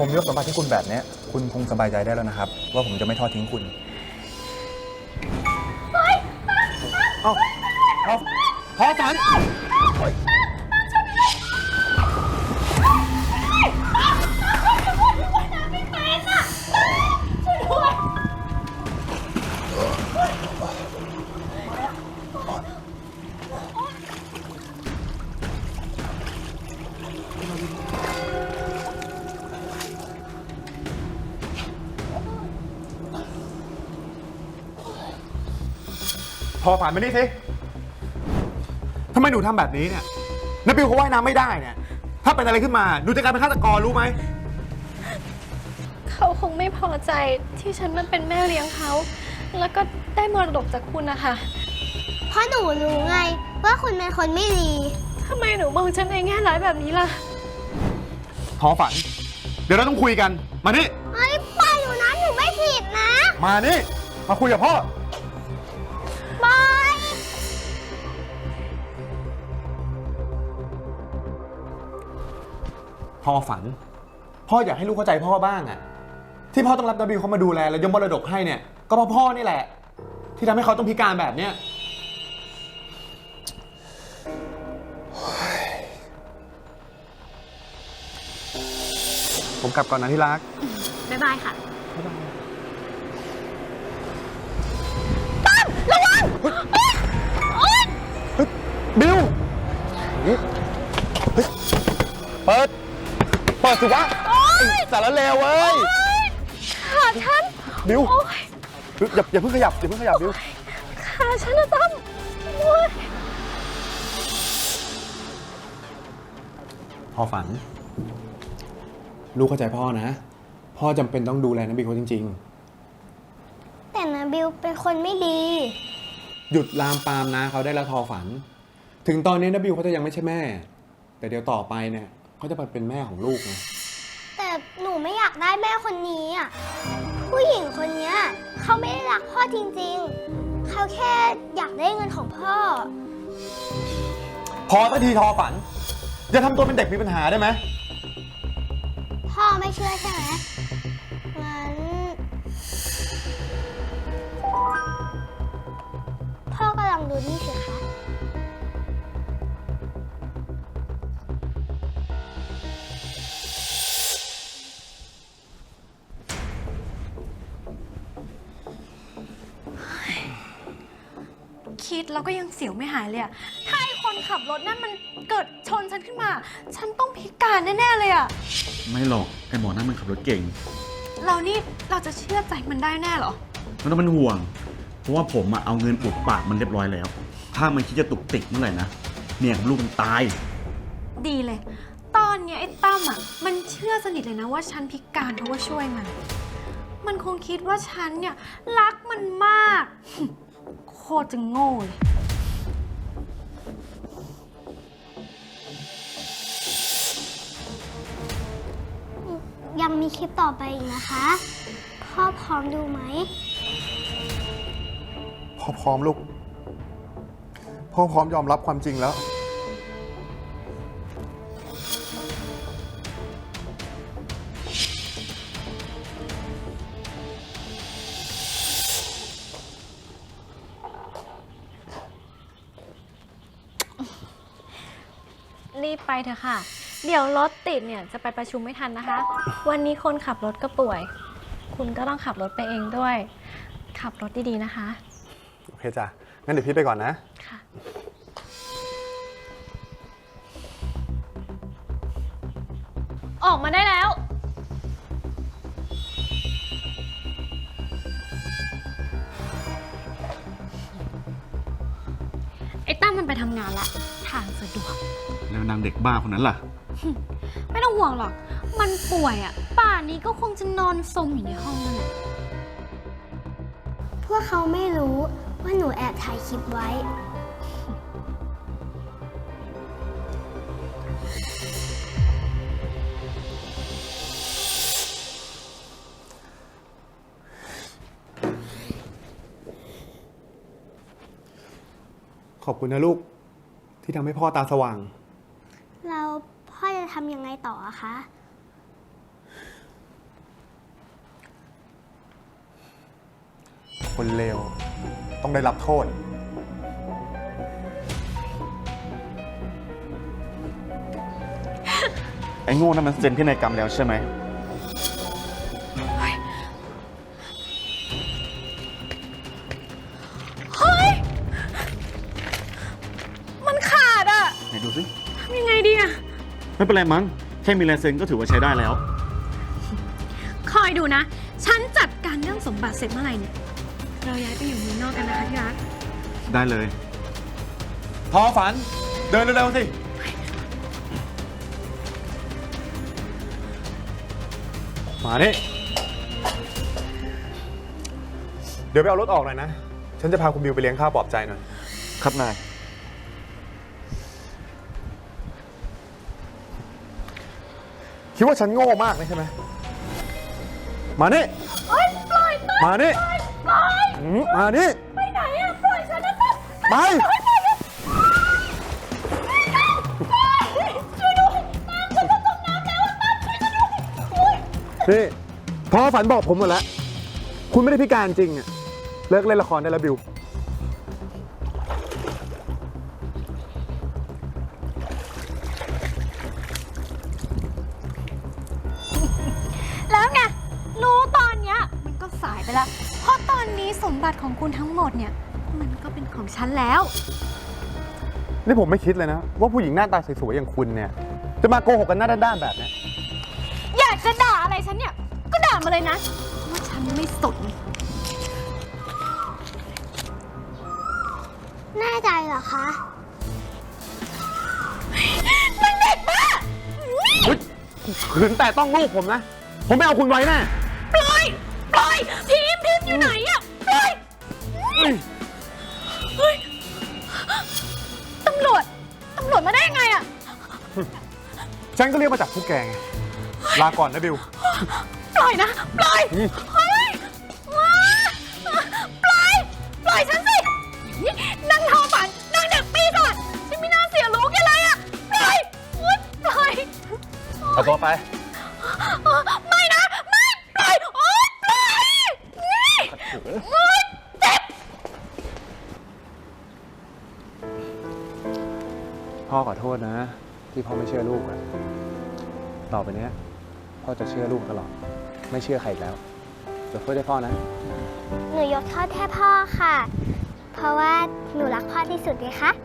ผมยกสมบัติให้คุณแบบนี้คุณคงสบายใจได้แล้วนะครับว่าผมจะไม่ทอดทิ้งคุณเอ้าพอฝันพอฝันมานี่สิทำไมหนูทำแบบนี้เนี่ยนบิวเขาว่ายน้ำไม่ได้เนี่ยถ้าเป็นอะไรขึ้นมาหนูจะกลายเป็นฆาตกรรู้ไหมเขาคงไม่พอใจที่ฉันมันเป็นแม่เลี้ยงเขาแล้วก็ได้มรดกจากคุณนะคะเพราะหนูรู้ไงว่าคุณเป็นคนไม่ดีทำไมหนูมองฉันในแง่ร้ายแบบนี้ล่ะพอฝันเดี๋ยวเราต้องคุยกันมานี่ไอ้ปล่อยหนูนะหนูไม่ผิดนะมานี่มาคุยกับพ่อปล่อยพ่อฝันพ่ออยากให้ลูกเข้าใจพ่อบ้างอะที่พ่อต้องรับนบิวเขามาดูแลและยกมรดกให้เนี่ยก็เพราะพ่อนี่แหละที่ทำให้เขาต้องพิการแบบเนี้ยผมกลับก่อนนะที่รักบ๊ายบายค่ะบิวเปิดสิวะสารเลวเว้ยขาฉันบิวอย่าเพิ่งขยับบิวขาฉันนะตั้มพ่อฝันลูกเข้าใจพ่อนะพ่อจำเป็นต้องดูแลนบิวเขาจริงๆแต่นะบิวเป็นคนไม่ดีหยุดลามปามนะเขาได้แล้วทอฝันถึงตอนนี้นบิวเขาจะยังไม่ใช่แม่แต่เดี๋ยวต่อไปเนี่ยเขาจะเป็นแม่ของลูกนะแต่หนูไม่อยากได้แม่คนนี้อ่ะผู้หญิงคนนี้เขาไม่ได้รักพ่อจริงๆเขาแค่อยากได้เงินของพ่อพอสักทีทอฝันอย่าทำตัวเป็นเด็กมีปัญหาได้ไหมพ่อไม่เชื่อใช่ไหมงั้นพ่อก็ลองดูนี่สิคะคิดแล้วก็ยังเสียวไม่หายเลยอะถ้าไอคนขับรถนั่นมันเกิดชนฉันขึ้นมาฉันต้องพิการแน่ๆเลยอะไม่หรอกไอหมอนั่นมันขับรถเก่งเรานี่เราจะเชื่อใจมันได้แน่หรอไม่ต้องเป็นห่วงเพราะว่าผมเอาเงินอุดปากมันเรียบร้อยแล้วถ้ามันคิดจะตุกติกเมื่อไหร่นะเมียกับลูกมันตายดีเลยตอนเนี้ยไอ้ตั้มมันเชื่อสนิทเลยนะว่าฉันพิการเพราะว่าช่วยมันคงคิดว่าฉันเนี่ยรักมันมากโคตรจะโง่เลยยังมีคลิปต่อไปอีกนะคะพ่อพร้อมดูไหมพ่อพร้อมลูกพ่อพร้อมยอมรับความจริงแล้วรีบไปเถอะค่ะเดี๋ยวรถติดเนี่ยจะไปประชุมไม่ทันนะคะวันนี้คนขับรถก็ป่วยคุณก็ต้องขับรถไปเองด้วยขับรถดีๆนะคะโอเคจ้ะงั้นเดี๋ยวพี่ไปก่อนนะค่ะออกมาได้แล้วไอ้ตั้มมันไปทำงานละทางสะดวกแล้วนางเด็กบ้าคนนั้นล่ะไม่ต้องห่วงหรอกมันป่วยป่านนี้ก็คงจะนอนสมอยู่ในห้องนั่นแหละพวกเขาไม่รู้ว่าหนูแอบถ่ายคลิปไว้ขอบคุณนะลูกที่ทำให้พ่อตาสว่างแล้วพ่อจะทำยังไงต่อคะคนเลวต้องได้รับโทษไอ้โง่นั่นมันเซ็นพินัยกรรมแล้วใช่ไหมเฮ้ย มันขาดอะไหนดูสิทำยังไงดีอะไม่เป็นไรมั้ง แค่มีลายเซ็นก็ถือว่าใช้ได้แล้วคอยดูนะ ฉันจัดการเรื่องสมบัติเสร็จเมื่อไหร่เนี่ย เราย้ายไปอยู่เมืองนอกกันนะคะที่รักได้เลยทอฝัน เดินเร็วๆสิ มานี่ เดี๋ยวไปเอารถออกหน่อยนะ ฉันจะพาคุณบิวไปเลี้ยงข้าวปลอบใจหน่อยครับนายคิดว่าฉันโง่มากเลยใช่ไหม มานี่มานี่มานี่ ไปไหนอะปล่อยฉันนะไป นี่พ่อฝันบอกผมหมดแล้ว คุณไม่ได้พิการจริงอะเลิกเล่นละครได้แล้วบิวแล้วไง รู้ตอนเนี้ยมันก็สายไปแล้ว เพราะตอนนี้สมบัติของคุณทั้งหมดเนี่ย มันก็เป็นของฉันแล้วนี่ผมไม่คิดเลยนะ ว่าผู้หญิงหน้าตาสวยๆอย่างคุณเนี่ย จะมาโกหกกันหน้าด้านๆแบบนี้อยากจะด่าอะไรฉันเนี่ย ก็ด่ามาเลยนะว่าฉันไม่สนแน่ใจเหรอคะมันเด็กบ้าเฮ้ยขืนแต่ต้องลูกผมนะ ผมไม่เอาคุณไว้แน่ปล่อย ปล่อย พิมพ์อยู่ไหนอะปล่อยเฮ้ยตำรวจมาได้ยังไงอะฉันก็เรียกมาจากพวกแกไง ลาก่อนนะบิวปล่อยนะ ปล่อยนี่เฮ้ยว้าปล่อย ปล่อยฉันสินั่งทอฝันนั่งเด็กปีศาจฉันไม่น่าเสียลูกแกเลยอะปล่อยอุ๊ยปล่อยเอาตัวไปไม่นะ ไม่ปล่อยโอ๊ยปล่อยนี่โอ๊ยเจ็บพ่อขอโทษนะ ที่พ่อไม่เชื่อลูกอะต่อไปเนี้ยพ่อจะเชื่อลูกตลอด ไม่เชื่อใครอีกแล้วยกโทษให้พ่อนะหนูยกโทษให้พ่อค่ะ เพราะว่าหนูรักพ่อที่สุดเลยคะ